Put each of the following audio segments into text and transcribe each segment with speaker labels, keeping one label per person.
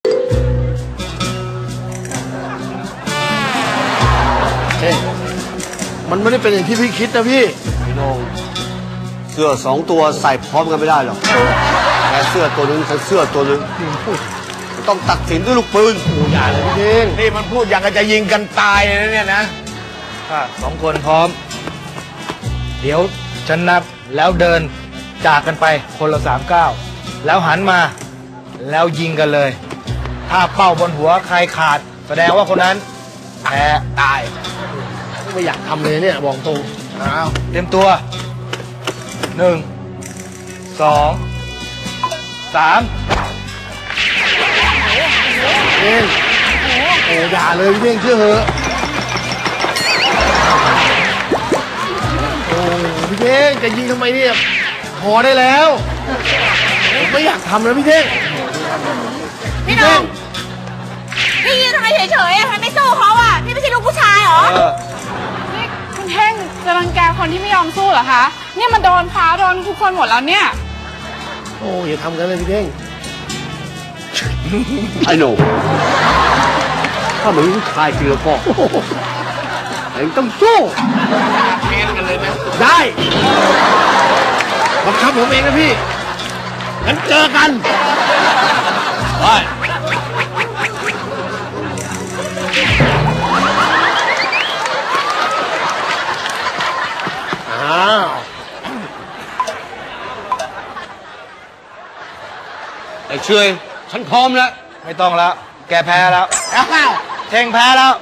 Speaker 1: มันไม่ได้เป็นอย่างที่พี่คิดนะพี่
Speaker 2: พี่น้องเสื้อ2 ตัวใส่พร้อมกันไม่ได้หรอกแค่เสื้อตัวนึงฉันเสื้อตัวนึงต้องตัดสินด้วยลูกปืน
Speaker 1: อย่าเลยพี่เท่ง
Speaker 3: นี่มันพูดอย่างกับจะยิงกันตายเลยเนี่ยนะ
Speaker 4: 2 คนพร้อมเดี๋ยวฉันนับแล้วเดินจากกันไปคนละ3 ก้าวแล้วหันมาแล้วยิงกันเลยถ้าเป้าบนหัวใครขาดแสดงว่าคนนั้นแพ้ตาย
Speaker 1: ไม่อยากทำเลยเนี่ยบอกตรง
Speaker 4: เตรียมตัว1 2 3
Speaker 1: เท่งอย่าเลยพี่เท่งเชื่อเหอะพี่เท่งจะยิงทำไมเนี่ยพอได้แล้วผมไม่อยากทำแล้วพี่เท่ง
Speaker 5: พี่น้องพี่ยืนทำไมเฉยๆอ่ะทำไมไม่สู้เขาอ่ะพี่ไม่ใช่ลูกผู้ชายเหรอ
Speaker 6: นี่คุณเท่งจะรังแกคนที่ไม่ยอมสู้เหรอคะเนี่ยมันโดนพาโดนทุกคนหมดแล้วเนี่ย
Speaker 1: โอ้อย่าทำกันเลยพี่เท่ง
Speaker 2: ไอ้หนูถ้าเหมือนผู้ชายจริงแล้วก็เองต้องสู้
Speaker 3: เกณฑ์กันเลยนะ
Speaker 1: ได้บังคับผมเองนะพี่งั้นเจอกันไป
Speaker 2: ไอ้เชยฉันพร้อมแล้ว
Speaker 4: ไม่ต้องแล้วแกแพ้แล้วเท่งแพ้แล้ว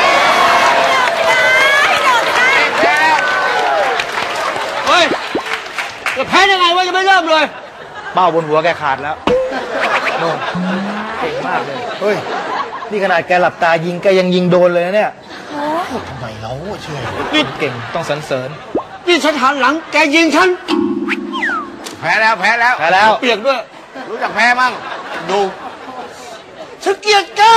Speaker 2: เฮ้ยจะแพ้ยังไงวะยังไม่เริ่มเลย
Speaker 4: เป้าบนหัวแกขาดแล้วโน่นเก่งมากเลยเฮ้ยนี่ขนาดแกหลับตายิงแกยังยิงโดนเลยนะเนี่ย
Speaker 1: ทำไมเราเชื่อ
Speaker 4: นี่เก่งต้องสรรเสริญ
Speaker 2: นี่ฉันหันหลังแกยิงฉัน
Speaker 3: แพ้แล้ว
Speaker 4: เปียกด้วย
Speaker 3: รู้จักแพ้มั้งดู
Speaker 2: ฉันเกลียดแก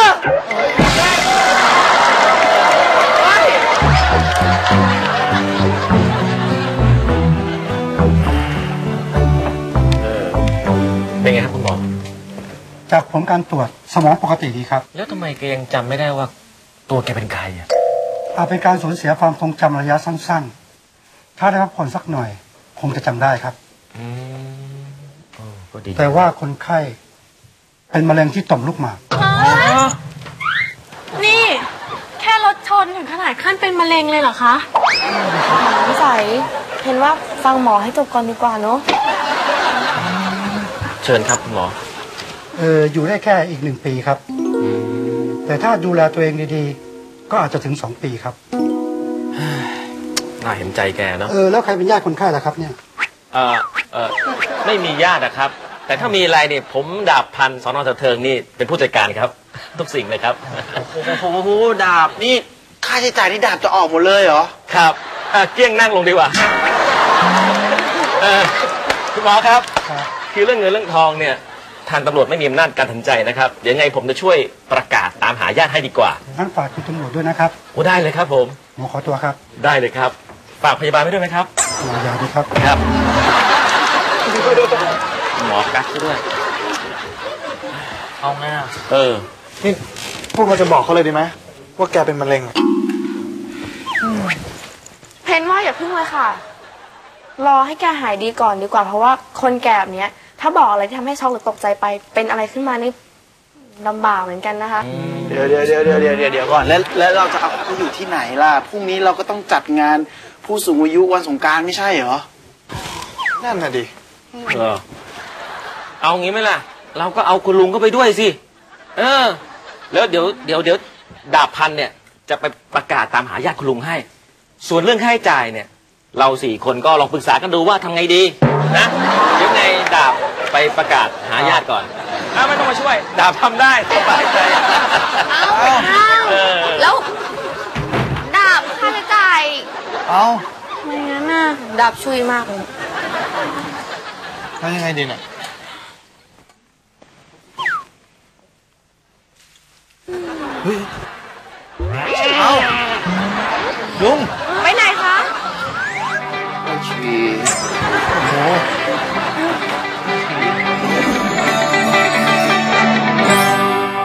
Speaker 7: เป็นไงครับคุณหมอ
Speaker 8: จากผลการตรวจสมองปกติดีครับ
Speaker 7: แล้วทำไมแกยังจำไม่ได้ว่าตัวแกเป็นใครอ่ะ
Speaker 8: อาจเป็นการสูญเสียความทรงจำระยะสั้นๆถ้าได้พักผ่อนสักหน่อยคงจะจำได้ครับ
Speaker 7: ก็ดี
Speaker 8: แต่ว่าคนไข้เป็นมะเร็งที่ต่อมลูกหมาก
Speaker 5: นี่แค่รถชนถึงขนาดขั้นเป็นมะเร็งเลยเหรอคะนิสัยเห็นว่าฟังหมอให้จบก่อนดีกว่าเนาะ
Speaker 7: เชิญครับคุณหมอ
Speaker 8: อยู่ได้แค่อีก1 ปีครับแต่ถ้าดูแลตัวเองดีๆก็อาจจะถึง2 ปีครับ
Speaker 7: น่าเห็นใจแกเนาะ
Speaker 8: แล้วใครเป็นญาติคนไข้ล่ะครับเนี่ย
Speaker 7: ไม่มีญาตินะครับแต่ถ้ามีอะไรเนี่ยผมดาบพันสน.เทิงนี่เป็นผู้จัดการครับทุกสิ่งเลยครับ
Speaker 3: โอ้โหดาบนี่ค่าใช้จ่ายนี่ดาบจะออกหมดเลยเหรอ
Speaker 7: ครับเกี้ยงนั่งลงดีกว่าคุณหมอครับคือเรื่องเงินเรื่องทองเนี่ยทางตำรวจไม่มีอำนาจการตัดสินใจนะครับเดี๋ยวไงผมจะช่วยประกาศตามหาญาติให้ดีกว่า
Speaker 8: งั้นฝากคุณตำรวจด้วยนะครับ
Speaker 7: โอ้ได้เลยครับผม
Speaker 8: หมอขอตัวครับ
Speaker 7: ได้เลยครับฝากพยาบาลไว้ด้วยไหมครับ
Speaker 8: ยาดีครับ
Speaker 7: ครับหมอกักด้วย
Speaker 4: เอาไง
Speaker 1: นี่พวกเราจะบอกเขาเลยดีไหมว่าแกเป็นมะเร็ง
Speaker 5: เพนว่าอย่าพึ่งเลยค่ะรอให้แกหายดีก่อนดีกว่าเพราะว่าคนแก่แบบนี้ถ้าบอกอะไรที่ทำให้ช็อกหรือตกใจไปเป็นอะไรขึ้นมานี่ลำบากเหมือนกันนะคะ
Speaker 3: เดี๋ยวก่อนแล้วเราจะเอาเขาอยู่ที่ไหนล่ะพรุ่งนี้เราก็ต้องจัดงานผู้สูงอายุวันสงกรานต์ไม่ใช่เหรอ
Speaker 1: นั่นน่ะดิ
Speaker 7: เอางี้ไหมล่ะเราก็เอาคุณลุงก็ไปด้วยสิแล้วเดี๋ยวดาบพันเนี่ยจะไปประกาศตามหาญาติคุณลุงให้ส่วนเรื่องค่าใช้จ่ายเนี่ยเรา4 คนก็ลองปรึกษากันดูว่าทำไงดีนะเดี๋ยวไงดาบไปประกาศหาญาติก่อนไม่ต้องมาช่วยดาบทำได้สบายใจ
Speaker 5: แล้วดาบค่าใช้จ่ายไม่งั้นน่ะดาบช่วยมากเลย
Speaker 1: แล้วยังไงดีเนี่ยลุง
Speaker 5: ไปไหนคะ
Speaker 3: ชี
Speaker 1: โอ้โห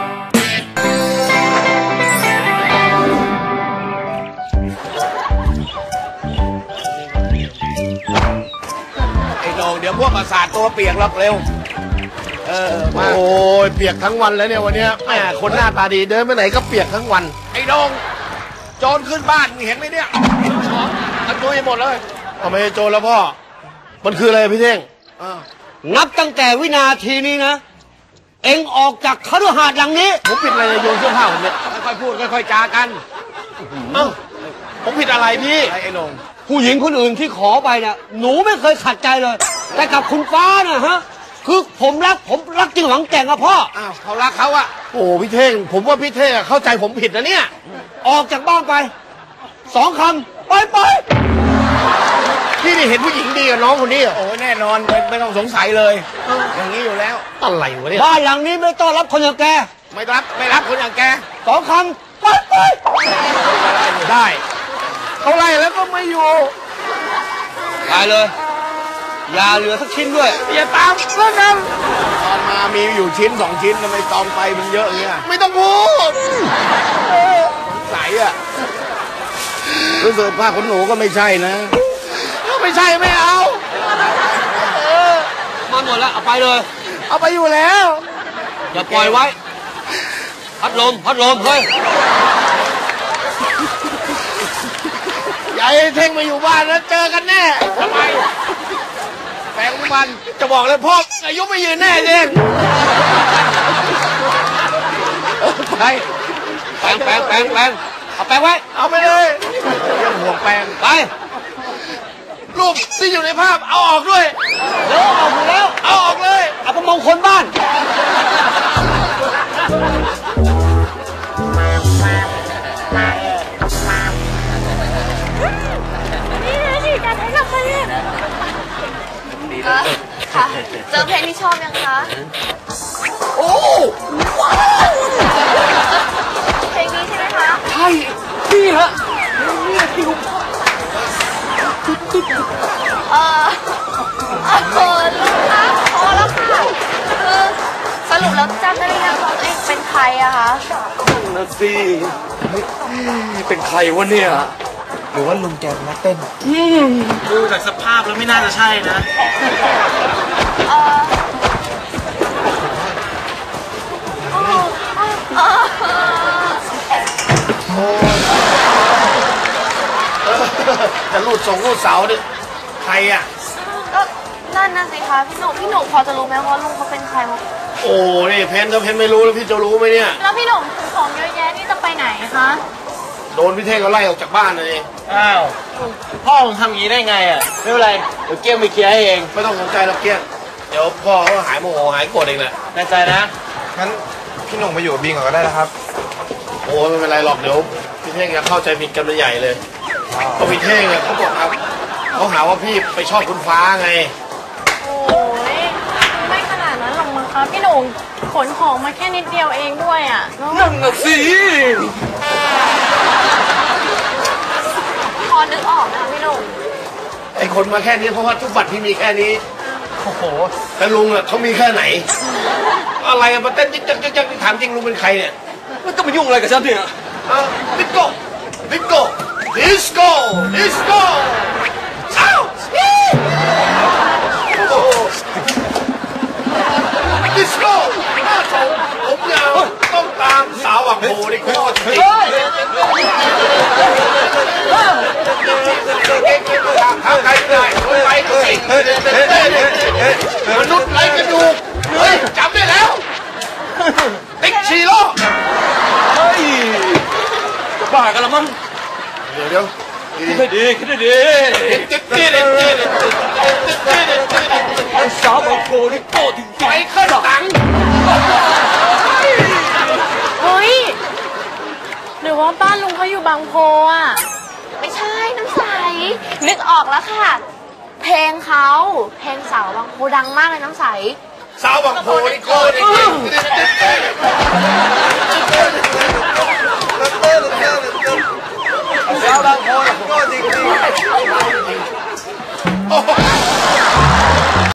Speaker 1: สาดตัวเปียกหรอกเร็วมาโอ้ยเปียกทั้งวันแล้วเนี่ยวันเนี้ยแม่คนหน้าตาดีเดินไปไหนก็เปียกทั้งวันไอ้ดงโจรขึ้นบ้านเห็นไหมเนี่ยอันตัวหมดเลยทำไมโจรแล้วพ่อมันคืออะไรพี่เท่ง
Speaker 2: นับตั้งแต่วินาทีนี้นะเอ็งออกจากคฤหาสน์หลังนี้
Speaker 1: ผมผิดอะไรโยนเสื้อผ้าผมเนี่ยค่อยๆพูดค่อยๆจากันผมผิดอะไรพี่ไอ้ดง
Speaker 2: ผู้หญิงคนอื่นที่ขอไปเนี่ยหนูไม่เคยขัดใจเลยแต่กับคุณฟ้านะฮะคือผมรักจริงหวังแต่งอะพ่อ
Speaker 1: เขารักเขาอะโอ้พี่เท่งผมว่าพี่เท่งเข้าใจผมผิดนะเนี่ย
Speaker 2: ออกจากบ้านไป2 คำไป
Speaker 1: พี่นี่เห็นผู้หญิงดีกับน้องคนนี้โอ้แน่นอนไม่ต้องสงสัยเลยอย่างนี้อยู่แล้วอะไรวะเนี่ย
Speaker 2: บ้านหลังนี้ไม่ต้อนรับคนอย่างแก
Speaker 1: ไม่รับคนอย่างแก
Speaker 2: 2 คำไป
Speaker 1: ได้เขาไล่แล้วก็ไม่อยู่
Speaker 2: ตายเลยอย่าเหลือสักชิ้นด้วย
Speaker 1: อย่าตามเรื่องนั้นตอนมามีอยู่ชิ้น2 ชิ้นทำไมตองไปมันเยอะอย่างเงี้ยไม่ต้องพูดใสอะรู้สึกผ้าขนหนูก็ไม่ใช่นะไม่ใช่ไม่เอา
Speaker 2: มาหมดแล้วเอาไปเลย
Speaker 1: เอาไปอยู่แล้ว
Speaker 2: อย่าปล่อยไว้พัดลมเฮ้ย
Speaker 1: อย่าให้เท่งมาอยู่บ้านแล้วเจอกันแน่ทำไมแปลงมันจะบอกเลยพ่ออายุไม่ยืนแน่เท่งไป
Speaker 2: แปลงเอาแปลงไว้
Speaker 1: เอาไปเลยยังห่วงแปลง
Speaker 2: ไป
Speaker 1: รูปที่อยู่ในภาพเอาออกด้วย
Speaker 2: เดี๋ยวเอาอยู่แล้ว
Speaker 1: เอาออกเลย
Speaker 2: เอาไปมองคนบ้าน
Speaker 5: นี่นะสิการให้กับใครเนี่ยค่ะเจอเพลงที่ชอบยังคะ
Speaker 1: โอ้ว้าว
Speaker 5: เพลงนี้ใช่ไหมคะ
Speaker 1: ใช่พี่ฮะนี่ที่ลุง
Speaker 5: ลูกคะพอแล้วค่ะคือสรุปแล้วจำได้หรือยังว่าตัวเองเป็นใครอะคะ
Speaker 1: นั่นสิเป็นใครวะเนี่ย
Speaker 4: หรือว่าลุงแกมาเต้น
Speaker 3: ดูจากสภาพแล้วไม่น่าจะใช่นะ
Speaker 1: จะรูดเสาดิใครอ่ะ
Speaker 5: ก็นั่นน่ะสิคะพี่หนุ่มพอจะรู้ไหมว่าลุงเขาเป็นใครมั้ง
Speaker 1: โอ้นี่เพนไม่รู้แล้วพี่จะรู้ไหมเนี่ย
Speaker 5: แล้วพี่หนุ่มของเยอะแยะนี่จะไปไหนคะ
Speaker 1: โดนพี่เท่งเขาไล่ออกจากบ้านเลย
Speaker 3: อ้าวพ่อมึงทำอย่างนี้ได้ไงอ่ะไม่เป็นไรเดี๋ยวเกี้ยงไปเคลียร์ให้เอง
Speaker 1: ไม่ต้องสนใจหรอกเกี้ยงเดี๋ยวพ่อเขาหายโมโหหายโกรธเองแหละ
Speaker 3: แน่ใจนะ
Speaker 4: งั้นพี่หนุ่มมาอยู่กับบิงก่อนก็ได้นะครับ
Speaker 1: โอ้ไม่เป็นไรหรอกเดี๋ยวพี่เท่งจะเข้าใจผิดกันใหญ่เลยเพราะพี่เท่งเนี่ยเขาบอกครับเขาหาว่าพี่ไปชอบคุณฟ้าไง
Speaker 5: โอ้ยไม่ขนาดนั้นหรอกมั้งคะพี่หนุ่มขนของมาแค่นิดเดียวเองด้วยอ่ะ
Speaker 1: นั่นน่ะสิ
Speaker 5: พอนึกออกนะพี่หนุ่ม
Speaker 1: ไอ้คนมาแค่นี้เพราะว่าทุกบัตรพี่มีแค่นี้โอ้โหแต่ลุงอ่ะเขามีแค่ไหนอะไรมาเต้นจิ๊กถามจริงลุงเป็นใครเนี่ย
Speaker 2: ไม่ต้องมายุ่งอะไรกับฉันเนี่ย
Speaker 1: ดิสโก้อ้าวดิสโก้หน้าโถผมยาวต้องตามสาวหวังโบนี่โคตรจริงทำใครได้คนไปก็สิมนุษย์ไรกระดูกเฮ้ยจำได้แล้วติ๊กชีโร่
Speaker 2: เฮ้ยจะบ้ากันละมั้ง
Speaker 1: เดี๋ยว
Speaker 2: คิดได้ดีสาวบางโคนี่โตถึง
Speaker 1: ไปขึ้นตัง
Speaker 5: เฮ้ยหรือว่าบ้านลุงเขาอยู่บางโพอ่ะไม่ใช่น้ำใสนึกออกแล้วค่ะเพลงสาวบางโพดังมากเลยน้ำใส
Speaker 1: สาวบางโพนี่โคตร
Speaker 2: สาวบางโพนี่โคตรจริง